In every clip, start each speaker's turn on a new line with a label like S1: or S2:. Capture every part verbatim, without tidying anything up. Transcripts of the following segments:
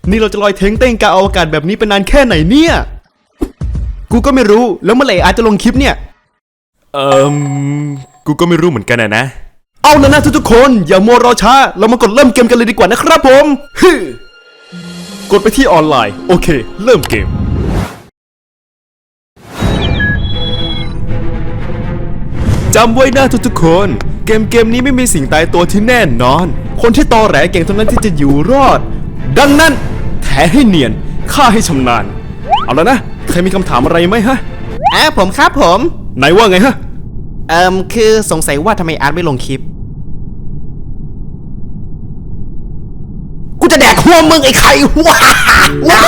S1: นี่เราจะลอยเท้งเต้งกลางอวกาศแบบนี้เป็นนานแค่ไหนเนี่ยกูก็ไม่รู้แล้วเมื่อไหร่อาจจะลงคลิปเนี่ยเอ่อกูก็ไม่รู้เหมือนกันนะเอาแล้วนะทุกๆคนอย่ามัวรอช้าเรามากดเริ่มเกมกันเลยดีกว่านะครับผมฮึกดไปที่ออนไลน์โอเคเริ่มเกมจำไว้นะทุกๆคนเกมเกมนี้ไม่มีสิ่งตายตัวที่แน่นอนคนที่ตอแหลเก่งเท่านั้นที่จะอยู่รอดดังนั้นแถให้เนียนฆ่าให้ชำนาญเอาแล้วนะใครมีคำถามอะไรไหมฮะอ่าผมครับผมไหนว่าไงฮะเอ่อคือสงสัยว่าทำไมอาร์ตไม่ลงคลิปกูจะแดกหัวมึงไอ้ไข่ว้าว้า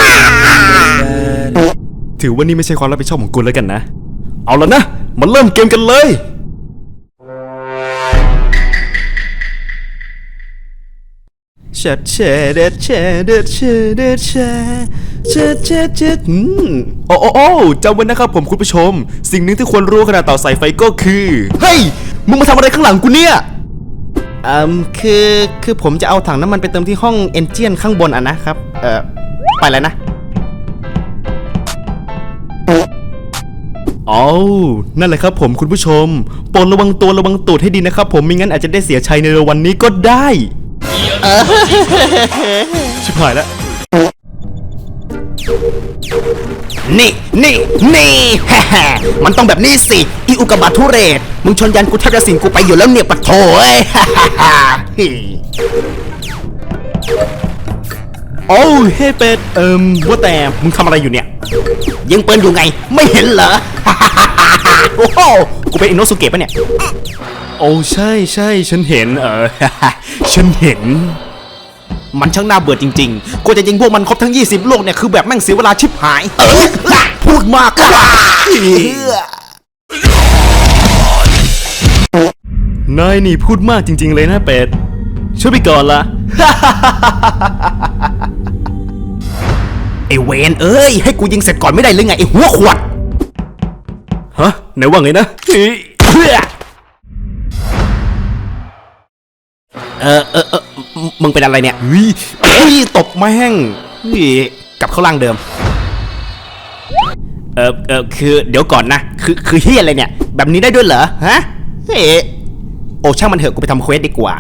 S1: ถือว่านี่ไม่ใช่ความรับผิดชอบของกูแล้วกันนะเอาแล้วนะมาเริ่มเกมกันเลยเช็ดเช็ดเด็ดเช็ดเด็ดเช็ดเด็ดเช็ดเช็ดเช็ดเช็ดอืมโอ้โอ้โอ้จำไว้นะครับผมคุณผู้ชมสิ่งหนึ่งที่ควรรู้ขณะต่อสายไฟก็คือเฮ้ยมึงมาทำอะไรข้างหลังกูเนี่ยอืมคือคือผมจะเอาถังน้ำมันไปเติมที่ห้องเอนจินข้างบนอ่ะนะครับเอ่อไปแล้วนะอ๋อนั่นแหละครับผมคุณผู้ชมโปรดระวังตัวระวังตูดให้ดีนะครับผมไม่งั้นอาจจะได้เสียชัยในวันนี้ก็ได้ชิบหายแล้วนี่นี่นี่ฮ่าฮ่ามันต้องแบบนี้สิอีอุกกาบาตทุเรศมึงชนยันกูแทบจะสิงกูไปอยู่แล้วเนี่ยปะโถเอ้ยฮ่าฮ่าฮ่าโอ้เฮ้เป็ดเอิ่มว่าแต่มึงทำอะไรอยู่เนี่ยยิงปืนอยู่ไงไม่เห็นเหรอโอ้โหกูเป็นอินโนสุเกะปะเนี่ยโอ้ใช่ใช่ฉันเห็นเออฉันเห็นมันช่างน่าเบื่อจริงๆกูจะยิงพวกมันครบทั้งยี่สิบลูกเนี่ยคือแบบแม่งเสียเวลาชิบหายเออพูดมากนายนี่พูดมากจริงๆเลยนะเป็ดช่วยไปก่อนละไอเวนเอ้ยให้กูยิงเสร็จก่อนไม่ได้หรือไงไอหัวขวดฮะไหนว่าไงนะเออเออเออมึงเป็นอะไรเนี่ยเฮ้ยตบแม่งกลับเข้าล่างเดิมเออเออคือเดี๋ยวก่อนนะคือคือเฮียอะไรเนี่ยแบบนี้ได้ด้วยเหรอฮะเฮ้โอ้ช่างมันเถอะกูไปทำเควสดีกว่า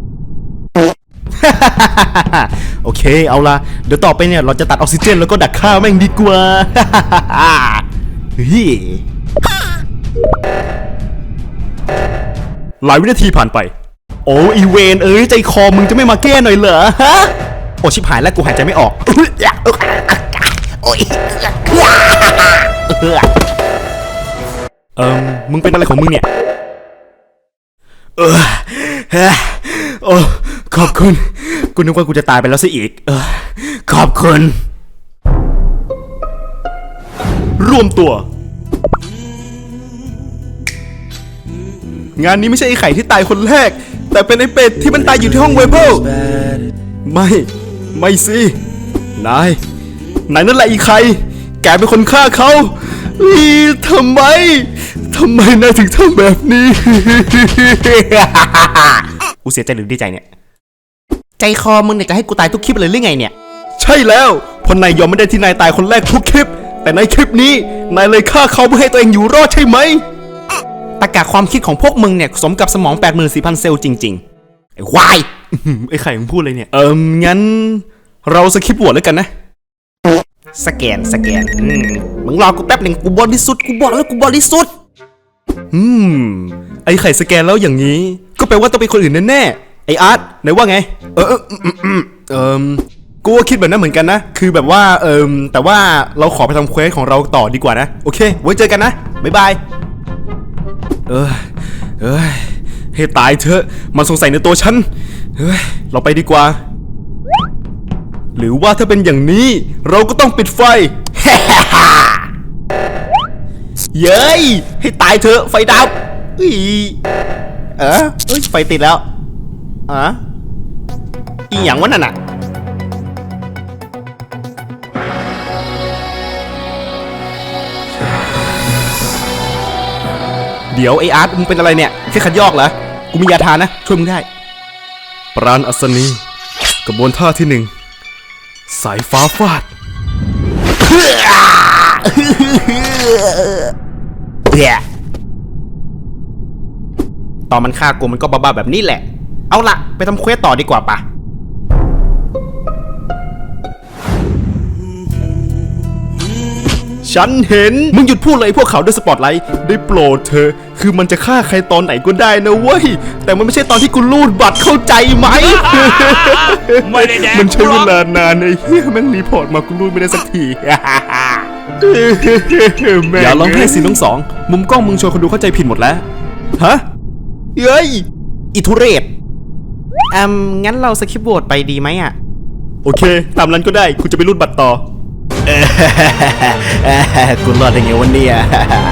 S1: โอเคเอาละเดี๋ยวต่อไปเนี่ยเราจะตัดออกซิเจนแล้วก็ดักฆ่าแม่งดีกว่าเฮ้ยหลายวินาทีผ่านไปโอ้อีเวนเอ้ยใจคอมึงจะไม่มาแก้หน่อยเหรอฮะโอ้ชิบหายแล้วกูหายใจไม่ออกโอ้ยเอิ่มมึงเป็นอะไรของมึงเนี่ยเออโอ้ขอบคุณกูนึกว่ากูจะตายไปแล้วซะอีกเออขอบคุณรวมตัวงานนี้ไม่ใช่ไอ้ไข่ที่ตายคนแรกแต่เป็นไอ้เป็ดที่มันตายอยู่ที่ห้องเวเบิลไม่ไม่สินายนายนั่นแหละอีไข่แกเป็นคนฆ่าเขาอีทำไมทำไมนายถึงทำแบบนี้กูเสียใจหรือดีใจเนี่ยใจคอมึงเนี่ยจะให้กูตายทุกคลิปเลยหรือไงเนี่ยใช่แล้วเพราะนายยอมไม่ได้ที่นายตายคนแรกทุกคลิปแต่ในคลิปนี้นายเลยฆ่าเขาเพื่อให้ตัวเองอยู่รอดใช่ไหมตรรกะความคิดของพวกมึงเนี่ยสมกับสมอง แปดหมื่นสี่พัน เซลล์จริงๆไอ้ควายไอ้ไข่มึงพูดเลยเนี่ยเอิมงั้นเราสคิปบวชแล้วกันนะสแกนสแกนมึงรอกูแป๊บหนึ่งกูบริสุทธิ์กูบอกแล้วกูบริสุทธิ์อืมไอ้ไข่สแกนแล้วอย่างนี้ก็แปลว่าต้องเป็นคนอื่นแน่ๆไอ้อาร์ตไหนว่าไงเออเออเออกูก็คิดแบบนั้นเหมือนกันนะคือแบบว่าเออแต่ว่าเราขอไปทำเควสของเราต่อดีกว่านะโอเคไว้เจอกันนะบ๊ายบายเออเอ้ยให้ตายเถอะมันสงสัยในตัวฉันเฮ้ยเราไปดีกว่าหรือว่าถ้าเป็นอย่างนี้เราก็ต้องปิดไฟเย้ยให้ตายเถอะไฟดับอีเออเอ้ยไฟติดแล้วอ่ะอีหยังวะนั่นน่ะเดี๋ยวไออาร์ตมึงเป็นอะไรเนี่ยแค่ขัดยอกเหรอกูมียาทานะช่วยมึงได้ปราณอัศนีกระบวนท่าที่หนึ่งสายฟ้าฟาดตอนมันฆ่ากูมันก็บ้าๆแบบนี้แหละ เอาละไปทำเควสต่อดีกว่าปะฉันเห็นมึงหยุดพูดเลยพวกเขาด้วยสปอตไลท์ได้โปรดเธอคือมันจะฆ่าใครตอนไหนก็ได้นะเว้ยแต่มันไม่ใช่ตอนที่กูรูดบัตรเข้าใจไหม
S2: ไม่ได้แดง
S1: มันใช้เวลานานไอ้เหี้ยแม่งรีพอร์ตมากูรูดไม่ได้สักที อย่าร้องไห้สิน้องสองมุมกล้องมึงชวนคนดูเข้าใจผิดหมดแล้วฮะเฮ้ยอิทุเรศอืมงั้นเราสคิปโหวตไปดีไหมอ่ะโอเคตามนั้นก็ได้กูจะไปรูดบัตรต่อ กูรอดได้ไงวันนี้อ่ะ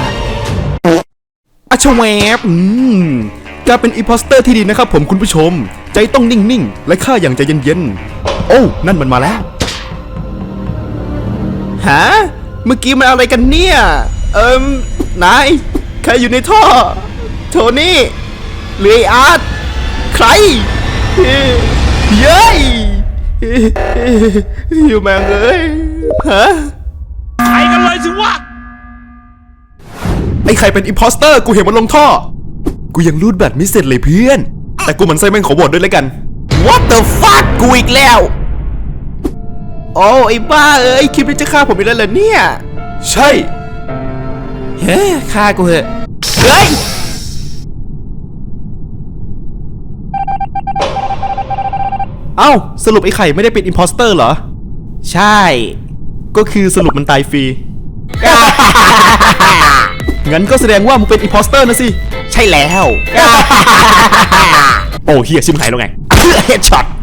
S1: อาชแวบอืมการเป็นอีโพสเตอร์ที่ดีนะครับผมคุณผู้ชมใจต้องนิ่งๆและฆ่าอย่างใจเย็นๆโอ้นั่นมันมาแล้วฮะเมื่อกี้มันอะไรกันเนี่ยเอิมนายใครอยู่ในท่อโทนี่หรือไอ้อาร์ตใครเย้ยอยู่แม่งเอ้ยฮะ
S2: ไปกันเลยสิวะ
S1: ไอ้ใครเป็นอิมพอสเตอร์กูเห็นมันลงท่อกูยังรูดบัตรไม่เสร็จเลยเพื่อนแต่กูมันไส้แม่งขอโหวตด้วยแล้วกัน What the fuck กูอีกแล้วโอ้ไอ้บ้าเอ้ยคลิปนี้จะฆ่าผมอีกแล้วเหรอเนี่ยใช่เฮ้ยฆ่ากูเหอะเฮ้ยเอ้าสรุปไอ้ไข่ไม่ได้เป็นอิมพอสเตอร์เหรอใช่ก็คือสรุปมันตายฟรี งั้นก็แสดงว่ามึงเป็นอิมพอสเตอร์นะสิใช่แล้ว โอ้เฮียชิมหายแล้วไงเฮดช็อต